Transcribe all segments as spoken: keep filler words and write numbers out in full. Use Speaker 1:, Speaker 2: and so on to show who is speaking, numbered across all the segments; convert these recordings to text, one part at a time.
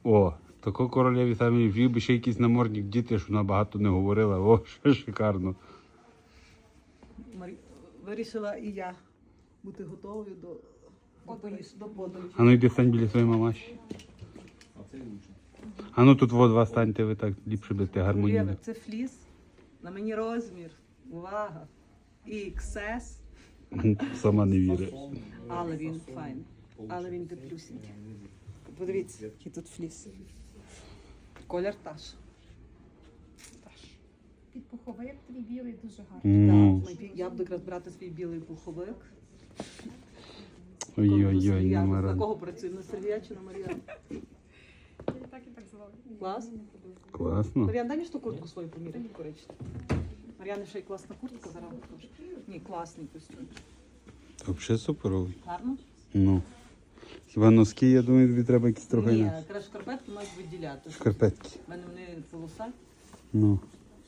Speaker 1: О, тако королеві самі вів би ще якийсь намордник діти, щоб вона багато не говорила. О, що шикарно.
Speaker 2: Марі... Вирішила і я бути готовою до подорожі. До подорожі.
Speaker 1: А ну йди стань біля своєї мамаші. А ну тут во два станьте, ви так ліпше будете гармонійно.
Speaker 2: Юлія, це фліс. На мені розмір. Увага. ікс ес.
Speaker 1: Сама не вірить.
Speaker 2: Але він файний. Але він теплюсінький. Подивіться, який тут фліс. Колір таш. Таш.
Speaker 3: Під пуховик твій білий дуже гарний.
Speaker 1: Ну.
Speaker 2: Так, ми- я буду якраз брати свій білий пуховик.
Speaker 1: Ой-ой-ой,
Speaker 2: На
Speaker 1: Маран.
Speaker 2: кого працюємо? На Сергія чи на Мар'яну?
Speaker 3: Я так і так звали.
Speaker 2: Клас.
Speaker 1: Класно.
Speaker 2: Мар'ян, дай мені ж ту куртку свою поміряй, коричневу. Мар'яни ще й класна куртка, зараз покажу. Ні, класний костюм.
Speaker 1: Взагалі суперовий.
Speaker 2: Гарно?
Speaker 1: Ну. Хіба носки, я думаю, тобі треба якісь трохи
Speaker 2: Ні,
Speaker 1: інакше.
Speaker 2: краще шкарпетки мають виділяти.
Speaker 1: Шкарпетки.
Speaker 2: У мене вони полоса.
Speaker 1: Ну.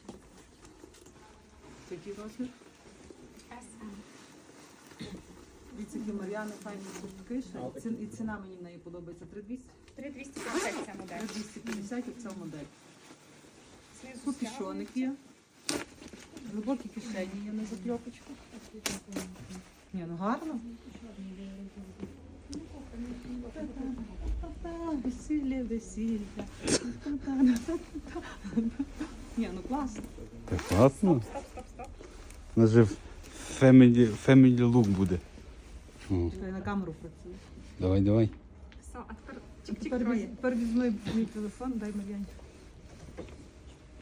Speaker 2: Це який розмір?
Speaker 3: ес ем.
Speaker 2: Дивіться, які Мар'яни файні куртки ще. Ці- І ціна мені в неї подобається. три двісті?
Speaker 3: три двісті п'ятдесят ця модель.
Speaker 2: три двісті п'ятдесят оця модель.
Speaker 3: Знизу
Speaker 2: Купішоник є. Глибокі кишені є на закльопочку. Ні, ну гарно. Та-та, Весілля, весілля. Ні, ну класно.
Speaker 1: Так класно.
Speaker 3: Стоп, стоп, стоп.
Speaker 1: У нас же family, family look буде. О,
Speaker 2: Чекай, на камеру працює.
Speaker 1: давай, давай.
Speaker 3: Все, а тепер
Speaker 2: Тепер,
Speaker 3: чик-чик троє.
Speaker 2: віз- тепер візьми мій телефон, дай Мар'яні.